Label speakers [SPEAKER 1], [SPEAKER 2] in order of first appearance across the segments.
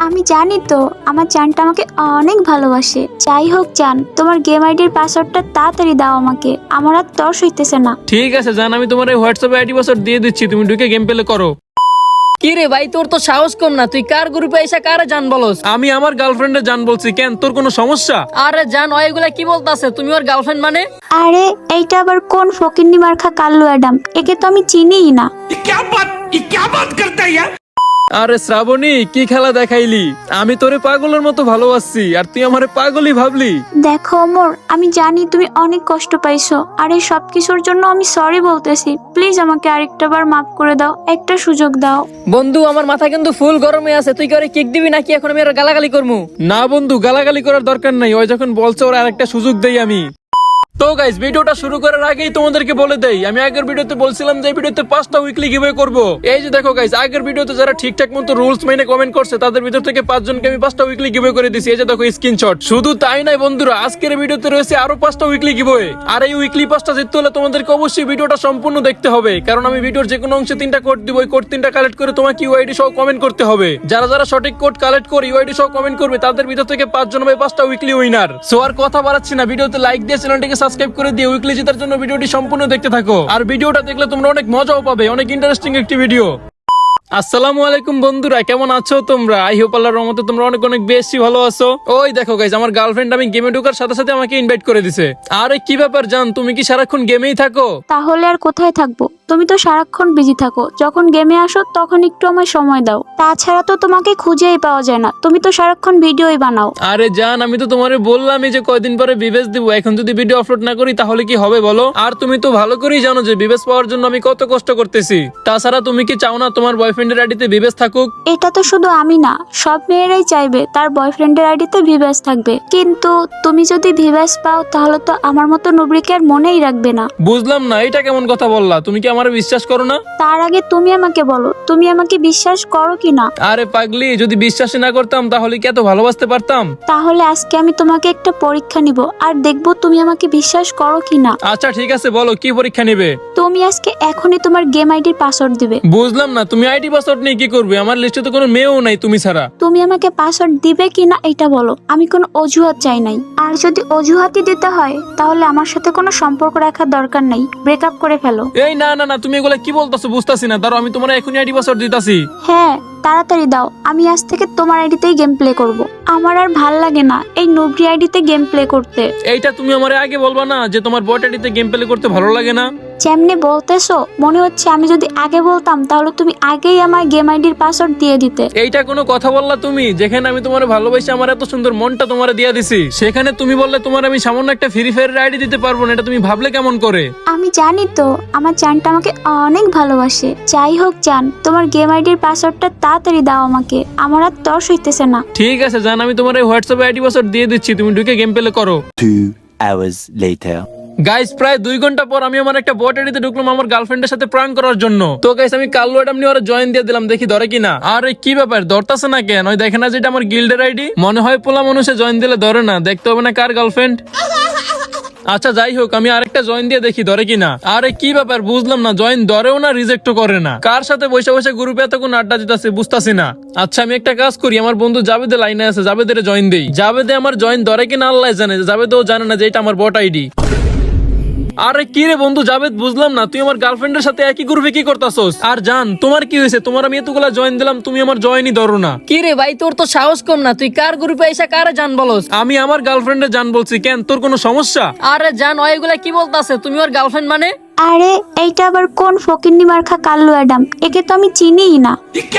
[SPEAKER 1] আমি জানি তো আমার জানটা আমাকে অনেক ভালোবাসে। যাই হোক জান, তোমার গেম আইডির পাসওয়ার্ডটা তাড়াতাড়ি দাও আমাকে, আমার আর তর্স হইতেছে না।
[SPEAKER 2] ঠিক আছে জান, আমি তোমার এই হোয়াটসঅ্যাপে আইডি পাসওয়ার্ড দিয়ে দিচ্ছি, তুমি ঢুকে গেম প্লে করো।
[SPEAKER 3] কি রে ভাই, তোর তো সাহস কম না, তুই কার গ্রুপে এসে কারে জান বলস?
[SPEAKER 2] আমি আমার গার্লফ্রেন্ডে জান বলছি, কেন তোর কোনো সমস্যা?
[SPEAKER 3] আরে জান, এগুলা কি বলতাছে? তুমি ওর গার্লফ্রেন্ড মানে?
[SPEAKER 1] আরে এইটা আবার কোন ফকিন্নি মার্খা কাল্লু অ্যাডাম? একে তো আমি চিনিই না।
[SPEAKER 2] আরে শ্রাবণী, কি খেলা দেখাইলি? আমি তোরে পাগলের মতো ভালোবাসছি আর তুই আমারে পাগলই ভাবলি।
[SPEAKER 1] দেখো ওমর, আমি জানি তুমি অনেক কষ্ট পাইছো, আর এই সব কিছুর জন্য আমি সরি বলতেছি। প্লিজ আমাকে আরেকটা বার মাফ করে দাও, একটা সুযোগ দাও।
[SPEAKER 3] বন্ধু, আমার মাথা কিন্তু ফুল গরমে আছে, তুই কি ওরে কিক দিবি নাকি এখন আমি ওর গালাগালি করবো?
[SPEAKER 2] না বন্ধু, গালাগালি করার দরকার নাই, ওই যখন বলছে ওর আরেকটা সুযোগ দেই আমি। তো গাইস, ভিডিওটা শুরু করার আগেই তোমাদেরকে বলে দেই, আমি আগের ভিডিওতে বলছিলাম যে এই ভিডিওতে 5টা উইকলি গিভওয়ে করব। এই যে দেখো গাইস, আগের ভিডিওতে যারা ঠিকঠাক মতো রুলস মেনে কমেন্ট করছে তাদের ভিতর থেকে 5 জনকে আমি 5টা উইকলি গিভওয়ে করে দিয়েছি। এই যে দেখো স্ক্রিনশট। শুধু তাই নাই বন্ধুরা, আজকের ভিডিওতে রয়েছে আরো 5টা উইকলি গিভওয়ে। আর এই উইকলি 5টা জিততে হলে তোমাদেরকে অবশ্যই ভিডিওটা সম্পূর্ণ দেখতে হবে, কারণ আমি ভিডিওর যে কোনো অংশে 3টা কোড দিব। ওই কোড 3টা কালেক্ট করে তোমাকে ইউআইডি সহ কমেন্ট করতে হবে। যারা যারা সঠিক কোড কালেক্ট করে ইউআইডি সহ কমেন্ট করবে তাদের ভিতর থেকে 5 জন হবে 5টা উইকলি উইনার। সো আর কথা বাড়াচ্ছি না, ভিডিওতে লাইক দিয়ে চ্যানেলটিকে সাবস্ক্রাইব করে দিয়ে উইকলি জেতার জন্য ভিডিওটি সম্পূর্ণ দেখতে থাকো। আর ভিডিওটা দেখলে তোমরা অনেক মজাও পাবে, অনেক ইন্টারেস্টিং একটি ভিডিও। আসসালামু আলাইকুম বন্ধুরা, কেমন আছো তোমরা? আই হোপ আল্লাহর রহমতে তোমরা অনেক অনেক বেশি ভালো আছো। ওই দেখো গাইস, আমার গার্লফ্রেন্ড আমি গেমে ঢোকার সাথে সাথে আমাকে ইনভাইট করে দিছে। আরে কি ব্যাপার জান, তুমি কি সারাক্ষণ গেমেই থাকো?
[SPEAKER 1] তাহলে আর কোথায় থাকবো? তুমি তো সারাক্ষণ বিজি থাকো, যখন গেমে আসো তখন একটু আমায় সময় দাও। তাছাড়া তো তোমাকে খুঁজেই পাওয়া যায় না, তুমি তো সারাক্ষণ ভিডিওই বানাও।
[SPEAKER 2] আরে জান, আমি তো তোমারে বললামই যে কয়দিন পরে বিবেচ দিব, এখন যদি ভিডিও আপলোড না করি তাহলে কি হবে বলো? আর তুমি তো ভালো করেই জানো যে বিবেচ পাওয়ার জন্য আমি কত কষ্ট করতেছি। তাছাড়া তুমি কি চাও না তোমার বয়ফ্রেন্ডের আইডিতে বিবেচ থাকুক?
[SPEAKER 1] এটা তো শুধু আমি না, সব মেয়েরাই চাইবে তার বয়ফ্রেন্ডের আইডিতে ভিভাস থাকবে। কিন্তু তুমি যদি ভিভাস পাও তাহলে তো আমার মতো নুবরিকে আর মনেই রাখবে না।
[SPEAKER 2] বুঝলাম না, এটা কেমন কথা বললা? তুমি কি আমারে বিশ্বাস করো না?
[SPEAKER 1] তার আগে তুমি আমাকে বলো, তুমি আমাকে বিশ্বাস করো কি না?
[SPEAKER 2] আরে পাগলি, যদি বিশ্বাসই না করতাম তাহলে কি এত ভালোবাসতে পারতাম?
[SPEAKER 1] তাহলে আজকে আমি তোমাকে একটা পরীক্ষা নিব, আর দেখবো তুমি আমাকে বিশ্বাস করো কি না।
[SPEAKER 2] আচ্ছা ঠিক আছে, বলো কি পরীক্ষা নিবে?
[SPEAKER 1] তুমি আজকে এখনই তোমার গেম আইডির পাসওয়ার্ড দিবে।
[SPEAKER 2] বুঝলাম না, তুমি আইডি পাসওয়ার্ড নিয়ে কি করবে? আমার লিস্টে তো কোনো মেয়েও নাই তুমি ছাড়া।
[SPEAKER 1] তুমি আমাকে পাসওয়ার্ড দিবে কি না এটা বলো, আমি কোনো অজুহাত চাই নাই। আর যদি অজুহাতই দিতে হয় তাহলে আমার সাথে কোনো সম্পর্ক রাখার দরকার নাই, ব্রেকআপ করে ফেলো।
[SPEAKER 2] এই না না না, তুমি এগুলা কি বলতাছো বুঝতাছি না, দাঁড়াও আমি তোমার এখনই আইডি পাসওয়ার্ড দিতাছি।
[SPEAKER 1] হ্যাঁ তাড়াতাড়ি দাও, আমি আজ থেকে তোমার আইডিতেই গেম প্লে করব। আমার আর ভাল লাগে না এই নুবরি আইডিতে গেম প্লে করতে।
[SPEAKER 2] এইটা তুমি আমারে আগে বলবা না যে তোমার বট আইডিতে গেম প্লে করতে ভালো লাগে না?
[SPEAKER 1] যেমনি বলতেছো মনে হচ্ছে আমি যদি আগে বলতাম তাহলে তুমি আগেই আমার গেম আইডির পাসওয়ার্ড দিয়ে দিতে।
[SPEAKER 2] এইটা কোনো কথা বললা তুমি? যেখানে আমি তোমার ভালোবাসি, আমার এত সুন্দর মনটা তোমারে দিয়ে দিছি, সেখানে তুমি বললে তোমার আমি সামান্য একটা ফ্রি ফায়ারের আইডি দিতে পারবো না, এটা তুমি ভাবলে কেমন করে?
[SPEAKER 1] আমি জানি তো আমার জানটা আমাকে অনেক ভালোবাসে। যাই হোক জান, তোমার গেম আইডির পাসওয়ার্ডটা তাড়াতাড়ি দাও আমাকে, আমার আর তর্স হইতেছে না।
[SPEAKER 2] ঠিক আছে জান, আমি তোমার এই হোয়াটসঅ্যাপে আইডি পাসওয়ার্ড দিয়ে দিচ্ছি, তুমি ঢুকে গেম প্লে করো।
[SPEAKER 4] 2 hours later.
[SPEAKER 2] গাইস, প্রায় 2 ঘন্টা পর আমি আমার একটা বট আইডিতে ঢুকলাম আমার গার্লফ্রেন্ডের সাথে প্রাঙ্ক করার জন্য। তো গাইস, আমি কাল্লু অ্যাডাম নিয়ে ওরা জয়েন দিয়ে দিলাম, দেখি ধরে কিনা। আরে কি ব্যাপার, ধরতাছে না কেন? ওই দেখে না যেটা আমার গিল্ডের আইডি, মনে হয় পোলা মানুষে জয়েন দিলে ধরে না, দেখতে হবে না কার গার্লফ্রেন্ড। আচ্ছা যাই হোক, আমি আরেকটা জয়েন দিয়ে দেখি ধরে কিনা। আরে কি ব্যাপার, বুঝলাম না, জয়েন ধরেও না রিজেক্টও করে না, কার সাথে বসে বসে গ্রুপে এতক্ষণ আড্ডা দিতেছে বুঝতাছি না। আচ্ছা আমি একটা কাজ করি, আমার বন্ধু জাবেদের লাইনে আছে, জাবেদের জয়েন দেই। জাবেদে আমার জয়েন ধরে কিনা আল্লাহ জানে, জাবেদও জানে না যে এটা আমার বট আইডি। আরে কি রে বন্ধু জাবেদ, বুঝলাম না, তুই আমার গার্লফ্রেন্ডের সাথে একই গ্রুপে কি করতাছস? আর জান, তোমার কি হয়েছে? তোমার আমি এতগুলা জয়েন দিলাম, তুমি আমার জয়েনই ধরো না।
[SPEAKER 3] কি রে ভাই, তোর তো সাহস কম না, তুই কার গ্রুপে এসে কারে জান বলস?
[SPEAKER 2] আমি আমার গার্লফ্রেন্ডে জান বলছি, কেন তোর কোনো সমস্যা?
[SPEAKER 3] আরে জান, এগুলা কি বলতাছে? তুমি ওর গার্লফ্রেন্ড মানে?
[SPEAKER 1] আরে এইটা আবার কোন ফকিন্নি মার্খা কাল্লু অ্যাডাম? একে তো আমি চিনিই না।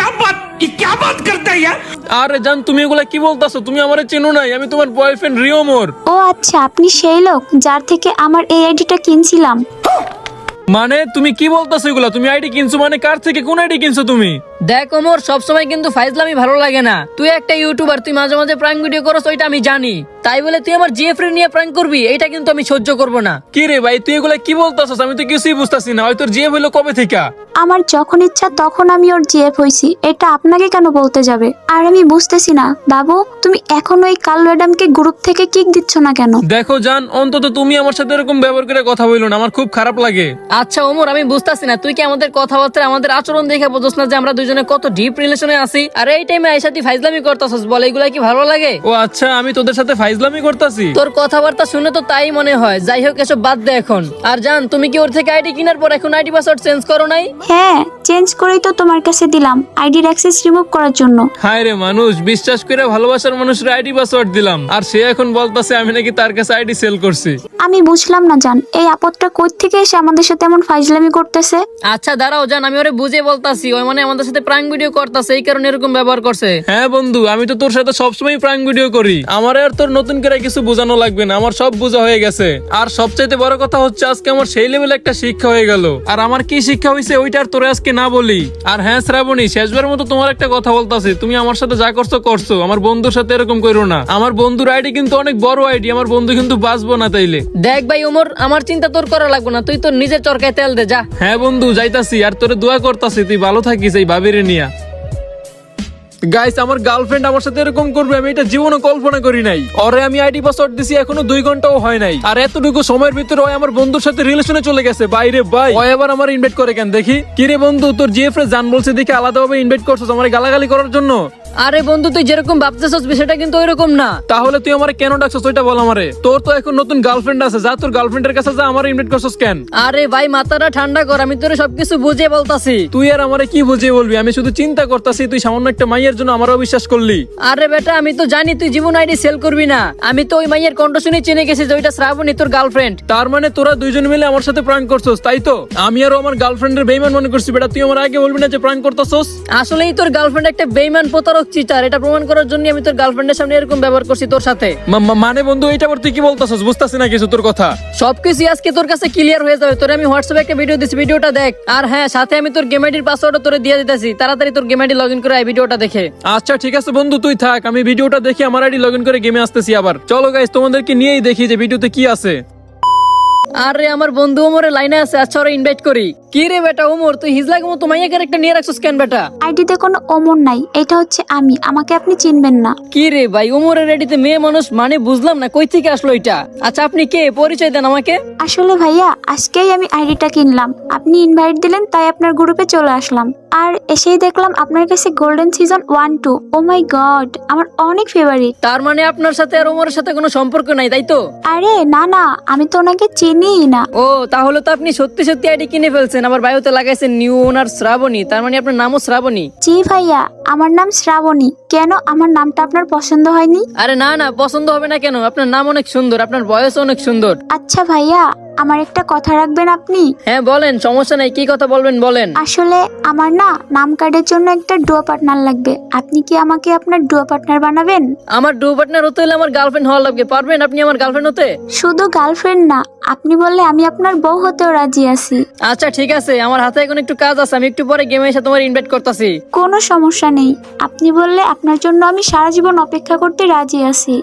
[SPEAKER 2] আরে জান, তুমি এগুলা কি বলতাছো? তুমি আমারে চেনো নাই, আমি তোমার বয়ফ্রেন্ড রিওমোর।
[SPEAKER 1] ও আচ্ছা, আপনি সেই লোক যার থেকে আমার এই আইডিটা কিনছিলাম।
[SPEAKER 2] মানে তুমি কি বলতাছো এগুলা? তুমি আইডি কিনছো মানে? কার থেকে কোন আইডি কিনছো তুমি?
[SPEAKER 3] দেখ ওমর, সবসময় কিন্তু ফাইজলামি ভালো লাগে না। তুই একটা ইউটিউবার, তুই মাঝে মাঝে প্র্যাঙ্ক ভিডিও করছ, ওইটা আমি জানি। তাই বলে তুই আমার জিএফ নিয়ে প্র্যাঙ্ক করবি, এটা কিন্তু আমি সহ্য করব না।
[SPEAKER 2] কি রে ভাই, তুই এগুলা কি বলতাছস? আমি তো কিছুই বুঝতাছি না। হয়তো জিএফ হইলো কবে থেকে?
[SPEAKER 1] আমার যখন ইচ্ছা তখন আমি ওর জিএফ হইছি, এটা আপনাকে কেন বলতে যাবে? আর আমি বুঝতেছি না বাবু, তুমি এখন ওই কাল্লু অ্যাডামকে গ্রুপ থেকে কিক দিচ্ছ না কেন?
[SPEAKER 2] দেখো জান, অন্তত তুমি আমার সাথে এরকম ব্যবহার করে কথা বললো না, আমার খুব খারাপ লাগে।
[SPEAKER 3] আচ্ছা ওমর, আমি বুঝতাছি না, তুই কি আমাদের কথাবার্তা, আমাদের আচরণ দেখে বুঝছ না যে আমরা দুজন দুজনে কত ডিপ রিলেশনে আছি, আর এই টাইমে আইসা তুই ফাইজলামি করতাছস, বল এগুলা কি ভালো লাগে?
[SPEAKER 2] ও আচ্ছা, আমি তোদের সাথে ফাইজলামি করতাছি?
[SPEAKER 3] তোর কথাবার্তা শুনে তো তাই মনে হয়। যাই হোক, এসব বাদ দে এখন। আর জান, তুমি কি ওর থেকে আইডি কেনার পর এখন আইডি পাসওয়ার্ড চেঞ্জ করো নাই?
[SPEAKER 1] হ্যাঁ, চেঞ্জ করেই তো তোমার কাছে দিলাম আইডির অ্যাক্সেস রিমুভ করার জন্য।
[SPEAKER 2] হায় রে মানুষ, বিশ্বাস করে ভালোবাসার মানুষের আইডি পাসওয়ার্ড দিলাম, আর সে এখন বলতাছে আমি নাকি তার কাছে আইডি সেল করছি।
[SPEAKER 1] আমি বুঝলাম না জান, এই আপদটা কই থেকে এসে আমাদের সাথে এমন ফাইজলামি করতেছে।
[SPEAKER 3] আচ্ছা দাঁড়াও জান, আমি ওরে বুঝে বলতাছি। ওই মানে আমাদের সাথে প্রাঙ্ক ভিডিও করতেছে, এই কারণে এরকম ব্যবহার করছে।
[SPEAKER 2] হ্যাঁ বন্ধু, আমি তো তোর সাথে সবসময় প্রাঙ্ক ভিডিও করি, আমার আর তোর নতুন করে কিছু বোঝানো লাগবে না, আমার সব বোঝা হয়ে গেছে। আর সবচাইতে বড় কথা হচ্ছে আজকে আমার সেই লেভেলে একটা শিক্ষা হয়ে গেল। আর আমার কি শিক্ষা হয়েছে ওইটা আর তোরে আজকে না বলি। আর হ্যাঁ শ্রাবণী, শেষবার মতো তোমার একটা কথা বলতাছি, তুমি আমার সাথে যা করছো করছো, আমার বন্ধুর সাথে এরকম করো না। আমার বন্ধুর আইডি কিন্তু অনেক বড় আইডি, আমার বন্ধু কিন্তু বাঁচবো না তাইলে।
[SPEAKER 3] দেখ ভাই ওমর, আমার চিন্তা তোর করা লাগবে না, তুই তোর নিজের চরকায় তেল দে যা।
[SPEAKER 2] হ্যাঁ বন্ধু, যাইতাছি, আর তোরে দোয়া করতাছি তুই ভালো থাকিস এই ভাবিরে নিয়া। গাইস, আমার গার্লফ্রেন্ড আমার সাথে এরকম করবে আমি এটা জীবনে কল্পনা করি নাই। ওরে আমি আইডি পাসওয়ার্ড দিছি, এখনো 2 ঘন্টাও হয় নাই, আর এতটুকু সময়ের ভিতরে ও আমার বন্ধুর সাথে রিলেশনে চলে গেছে। বাইরে ভাই, ও এবার আমার ইনভাইট করে কেন দেখি? কি রে বন্ধু, তোর জিএফ রে জান বলছে দেখে আলাদাভাবে ইনভাইট করছস আমার গালাগালি করার জন্য?
[SPEAKER 3] আরে বন্ধু, তুই যেরকম ভাবতেছস বিষয়টা কিন্তু ওইরকম না।
[SPEAKER 2] তাহলে তুই আমারে কেন ডাকছস ওইটা বল আমারে। তোর তো এখন নতুন গার্লফ্রেন্ড আছে, যা তোর গার্লফ্রেন্ডের কাছে যা, আমার ইনভাইট করছস কেন?
[SPEAKER 3] আরে ভাই মাথাটা ঠান্ডা কর, আমি তোরে সবকিছু বুঝিয়ে বলতাছি।
[SPEAKER 2] তুই আর আমারে কি বুঝিয়ে বলবি? আমি শুধু চিন্তা করতাছি, তুই সামান্য একটা মাইয়ের জন্য আমারও বিশ্বাস করলি।
[SPEAKER 3] আরে বেটা, আমি তো জানি তুই জীবন আইডি সেল করবি না। আমি তো ওই মাইয়ের কণ্ঠ শুনে চিনে গেছি যে ওইটা শ্রাবণী তোর গার্লফ্রেন্ড।
[SPEAKER 2] তার মানে তোরা দুইজন মিলে আমার সাথে প্রাঙ্ক করছস, তাই তো? আমি আর আমার গার্লফ্রেন্ডের বেইমান মনে করছি। বেটা, তুই আমার আগে বলবি না যে প্রাঙ্ক করতেছস?
[SPEAKER 3] আসলেই তোর গার্লফ্রেন্ড একটা বেইমান, প্রতারক, চিটার। এটা প্রমাণ করার জন্য আমি তোর গার্লফ্রেন্ডের সামনে এরকম ব্যবহার করছি তোর সাথে।
[SPEAKER 2] মানে বন্ধু, এইটা আবার তুই কি বলতেছস? বুঝতাছি না কিছু তোর কথা।
[SPEAKER 3] সবকিছু আজকে তোর কাছে ক্লিয়ার হয়ে যাবে। তোরে আমি হোয়াটসঅ্যাপে একটা ভিডিও দিছি, ভিডিওটা দেখ। আর হ্যাঁ, সাথে আমি তোর গেম আইডির পাসওয়ার্ডও তোরে দিয়ে দিতেছি। তাড়াতাড়ি তোর গেম আইডি লগইন করে এই ভিডিওটা দেখে।
[SPEAKER 2] আচ্ছা ঠিক আছে বন্ধু, তুই থাক, আমি ভিডিওটা দেখি আমার আইডি লগইন করে গেমে আসতেছি আবার। চলো গাইস, তোমাদেরকে নিয়েই দেখি যে ভিডিওতে কি আছে।
[SPEAKER 3] আরে আমার বন্ধু ওমরে লাইনে আছে, আচ্ছা ওরে ইনভাইট করি। কি রে বেটা ওমর, তুই হিজলার মতো মাইয়া ক্যারেক্টার নিয়ে রাখছস কেন বেটা?
[SPEAKER 1] আইডিতে কোনো ওমর নাই, এটা হচ্ছে আমি, আমাকে আপনি চিনবেন না।
[SPEAKER 3] কি রে ভাই, ওমরের আইডিতে মেয়ে মানুষ মানে বুঝলাম না, কই থেকে আসলো এটা? আচ্ছা আপনি কে, পরিচয় দেন আমাকে।
[SPEAKER 1] আসলে ভাইয়া, আজকেই আমি আইডিটা কিনলাম, আপনি ইনভাইট দিলেন তাই আপনার গ্রুপে চলে আসলাম। আর এসেই দেখলাম আপনার কাছে golden season 1-2। Oh my god, আমার অনেক ফেভারিট।
[SPEAKER 3] তার মানে আপনার সাথে আর ওমরের সাথে কোনো সম্পর্ক নাই, তাই তো?
[SPEAKER 1] আরে না না, আমি তো ওনাকে চিনিই না।
[SPEAKER 3] ও, তাহলে তো আপনি সত্যি সত্যি আইডি কিনে ফেলছেন। আবার বায়োতে লাগাইছেন নিউ ওনার শ্রাবণী, তার মানে আপনার নামও শ্রাবণী।
[SPEAKER 1] জি ভাইয়া, আমার নাম শ্রাবণী। কেন, আমার নামটা আপনার পছন্দ হয়নি?
[SPEAKER 3] আরে না না, পছন্দ হবে না কেন? আপনার নাম অনেক সুন্দর, আপনার বয়স অনেক সুন্দর।
[SPEAKER 1] আচ্ছা ভাইয়া, আমার একটা কথা রাখবেন আপনি?
[SPEAKER 3] হ্যাঁ বলেন, সমস্যা নাই, কি কথা বলবেন বলেন।
[SPEAKER 1] আসলে আমার না নাম কার্ডের জন্য একটা ডুও পার্টনার লাগবে, আপনি কি আমাকে আপনার ডুও পার্টনার বানাবেন?
[SPEAKER 3] আমার ডু পার্টনার হতে হলে আমার গার্লফ্রেন্ড হওয়া লাগবে। পারবেন আপনি আমার গার্লফ্রেন্ড হতে?
[SPEAKER 1] শুধু গার্লফ্রেন্ড না, আপনি বললে আমি আপনার বউ হতেও রাজি আছি।
[SPEAKER 3] আচ্ছা ঠিক আছে, আমার হাতে এখন একটু কাজ আছে, আমি একটু পরে গেমে এসে তোমার ইনভাইট করতেছি।
[SPEAKER 1] কোনো সমস্যা নেই, আপনি বললে আপনার জন্য আমি সারা জীবন অপেক্ষা করতে রাজি আছি।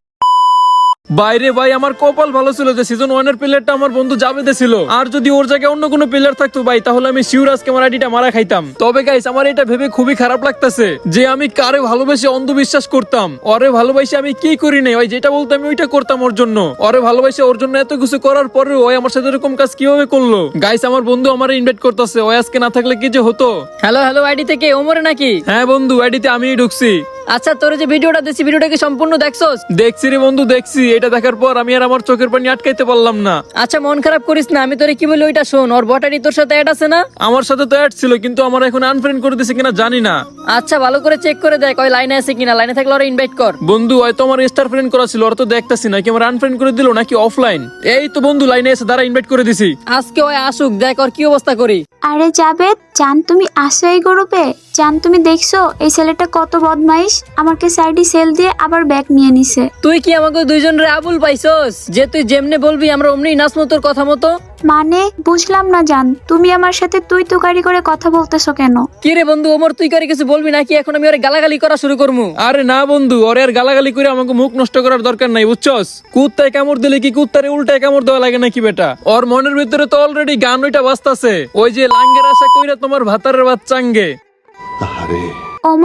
[SPEAKER 2] বাইরে ভাই, আমার কপাল ভালো ছিল যে সিজন 1 এর প্লেয়ারটা আমার বন্ধু জাবেদে ছিল। আর যদি ওর জায়গায় অন্য কোনো প্লেয়ার থাকতো ভাই, তাহলে আমি শিওর আজকে আমার আইডিটা মারা খাইতাম। তবে গাইস, আমার এটা ভেবে খুবই খারাপ লাগতেছে যে আমি কারে ভালোবেসে অন্ধবিশ্বাস করতাম। ওরে ভালোবাসে আমি কি করি নাই, ওই যেটা বলতাম আমি ওইটা করতাম ওর জন্য। ওরে ভালোবাসে ওর জন্য এত কিছু করার পরেও ওই আমার সাথে এরকম কাজ কিভাবে করলো? গাইস, আমার বন্ধু আমারে ইনভাইট করতেছে, ওই আজকে না থাকলে কি যে হতো।
[SPEAKER 3] হ্যালো হ্যালো, আইডি থেকে ওমরে নাকি?
[SPEAKER 2] হ্যাঁ বন্ধু, আইডিতে আমিই ঢুকছি।
[SPEAKER 3] আচ্ছা, তোর যে ভিডিওটা দিছি, ভিডিওটা কি সম্পূর্ণ দেখছস?
[SPEAKER 2] দেখছি রে বন্ধু, দেখছি। এটা দেখার পর আমি আর আমার চোখের পানি আটকাইতে পারলাম না।
[SPEAKER 3] আচ্ছা মন খারাপ করিস না, আমি তোরে কি বলি ওইটা শোন। ওর বটারি তোর সাথে অ্যাড আছে না?
[SPEAKER 2] আমার সাথে তো অ্যাড ছিল, কিন্তু আমার এখন আনফ্রেন্ড করে দিছে কিনা জানি না।
[SPEAKER 3] আচ্ছা ভালো করে চেক করে দেখ ওই লাইনে আছে কিনা। লাইনে থাকলে ওরা ইনভাইট কর।
[SPEAKER 2] বন্ধু, হয়তো আমার স্টার ফ্রেন্ড করা ছিল, ওরা তো দেখতাছি না কি আমার আনফ্রেন্ড করে দিল নাকি অফলাইন। এই তো বন্ধু লাইনে এসে দাঁড়া, ইনভাইট করে দিছি।
[SPEAKER 3] আজকে ওই আসুক, দেখ ওর কি অবস্থা করি।
[SPEAKER 1] আরে জাবেদ জান, তুমি আসো এই গ্রুপে? জান, তুমি দেখছো এই ছেলেটা কত বদমাইশ, আমার কাছে আইডি সেল দিয়ে আবার ব্যাগ নিয়ে নিছে।
[SPEAKER 3] তুই কি আমাকে দুইজনের আবুল পাইছস যে তুই যেমনে বলবি আমরা অমনি নাচমো তোর কথা মতো?
[SPEAKER 1] মানে বুঝলাম না জান, তুমি আমার সাথে তুই তুকারি করে কথা বলতেছো কেন?
[SPEAKER 3] কি রে বন্ধু, ওমর তুই করে কিছু বলবি নাকি? এখন আমি ওরে গালাগালি করা শুরু করবো?
[SPEAKER 2] আরে না বন্ধু, ওরে আর গালাগালি করে আমাকে মুখ নষ্ট করার দরকার নাই, বুঝছস? কুত্তায় কামড় দিলে কি কুত্তারে উল্টায় কামড় দেওয়া লাগে নাকি বেটা? ওর মনের ভিতরে তো অলরেডি গান ওইটা বাজতাছে, ওই যে লাঙ্গের আশা কইরা তোমার ভাতারের ভাত চাঙ্গে।
[SPEAKER 1] ওমর,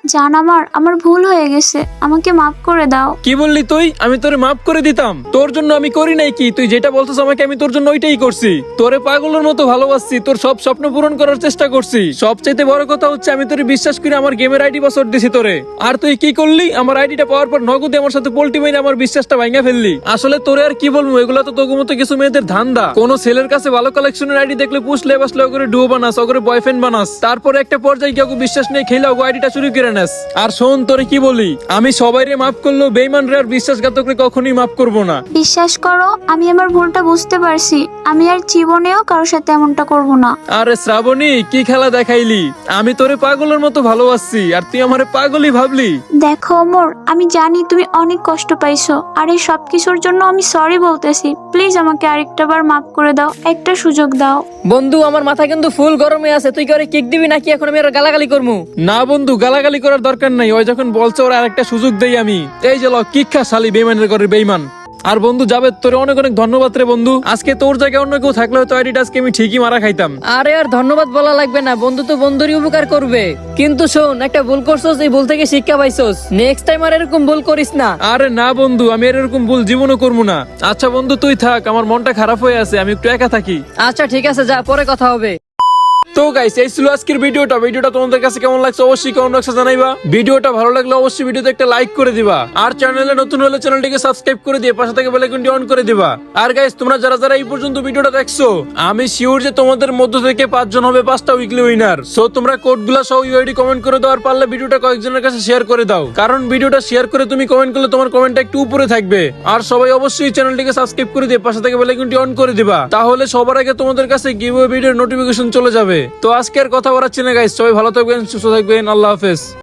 [SPEAKER 1] জান আমার ভুল হয়ে গেছে, আমাকে মাফ করে দাও।
[SPEAKER 2] কি বললি তুই? আমি তোরে মাফ করে দিতাম? তোর জন্য আমি করি নাই কি? তুই যেটা বলছিস আমাকে, আমি তোর জন্য ওইটাই করছি। তোরে পাগলের মতো ভালোবাসছি, তোর সব স্বপ্ন পূরণ করার চেষ্টা করছি। সবচাইতে বড় কথা হচ্ছে আমি তোরে বিশ্বাস করে আমার গেমের আইডি পাসওয়ার্ড দিছি তোরে। আর তুই কি করলি? আমার আইডিটা পাওয়ার পর নগদে আমার সাথে পোল্টি মেরে আমার বিশ্বাসটা ভাঙা ফেললি। আসলে তোরে আর কি বলবো, এগুলো তো তোর মতো কিছু মেয়েদের ধান্দা। কোন ছেলের কাছে ভালো কালেকশনের আইডি দেখলে পুষলে বাসলে ওকে ডুয়ো বানাস, ওকে বয়ফ্রেন্ড বানাস, তারপরে একটা পর্যায়ে কেউ বিশ্বাস নেই খেলে ওকে আইডিটা চুরি করে নেস। আর শোন, তোরে কি বলি, আমি সবাইরে মাফ করলেও বেঈমানরে আর বিশ্বাসঘাতকরে কখনোই মাফ করব না।
[SPEAKER 1] বিশ্বাস করো, আমি আমার ভুলটা বুঝতে পারছি। আমি আর জীবনেও কারোর সাথে এমনটা করব না।
[SPEAKER 2] আরে শ্রাবণী, কি খেলা দেখাইলি? আমি তোরে পাগলের মতো ভালোবাসছি আর তুই আমারে পাগলই ভাবলি।
[SPEAKER 1] দেখো ওমর, আমি জানি তুমি অনেক কষ্ট পাইছো, আর এই সবকিছুর জন্য আমি সরি বলতেছি। প্লিজ আমাকে আরেকটা বার মাফ করে দাও, একটা সুযোগ দাও।
[SPEAKER 3] বন্ধু, আমার মাথা কিন্তু ফুল গরমে আছে। তুই কি ওরে কিক দিবি নাকি এখন আমি আর গালাগালি করবো?
[SPEAKER 2] না বন্ধু, গালাগালি করার দরকার নাই। ওই যখন বলছে ওরা আরেকটা সুযোগ দেই আমি। এই যে ল, কিক খা শালি, বেঈমানের ঘরের বেঈমান। আর বন্ধু যাবে, তোর অনেক অনেক ধন্যবাদ রে বন্ধু। আজকে তোর জায়গায় অন্য কেউ থাকলে হয়তো আইডিটা আজকে আমি ঠিকই মারা খাইতাম।
[SPEAKER 3] আরে আর ধন্যবাদ বলা লাগবে না, বন্ধু তো বন্ধুরই উপকার করবে। কিন্তু শোন, একটা ভুল করছস, এই ভুল থেকে শিক্ষা পাইছস। নেক্সট টাইম আর এরকম ভুল করিস না।
[SPEAKER 2] আরে না বন্ধু, আমি এরকম ভুল জীবনও করবো না। আচ্ছা বন্ধু তুই থাক, আমার মনটা খারাপ হয়ে আছে, আমি একটু একা থাকি।
[SPEAKER 3] আচ্ছা ঠিক আছে, যা, পরে কথা হবে।
[SPEAKER 2] তো গাইস, এই ছিল আজকের ভিডিওটা তোমাদের কাছে কেমন লাগছে অবশ্যই কমেন্ট বক্সে জানাইবা। ভিডিওটা ভালো লাগলে অবশ্যই ভিডিওতে একটা লাইক করে দিবা। আর চ্যানেলে নতুন হলে চ্যানেলটিকে সাবস্ক্রাইব করে দিয়ে পাশে থেকে বেল আইকনটি অন করে দিবা। আর গাইস, তোমরা যারা যারা এই পর্যন্ত ভিডিওটা দেখছো, আমি শিওর যে তোমাদের মধ্য থেকে 5 জন হবে 5টা উইকলি উইনার। সো তোমরা কোডগুলো সহ ইউআইডি কমেন্ট করে দাও, আর পারলে ভিডিওটা কয়েকজনের কাছে শেয়ার করে দাও। কারণ ভিডিওটা শেয়ার করে তুমি কমেন্ট করলে তোমার কমেন্টটা একটু উপরে থাকবে। আর সবাই অবশ্যই চ্যানেলটিকে সাবস্ক্রাইব করে দিয়ে পাশে থেকে বেল আইকনটি অন করে দিবা। তাহলে সবার আগে তোমাদের কাছে গিভঅ্যাওয়ে ভিডিওর নোটিফিকেশন চলে যাবে। তো আজকের কথা বলাচ্ছি না গাইস, সবাই ভালো থাকবেন, সুস্থ থাকবেন, আল্লাহ হাফেজ।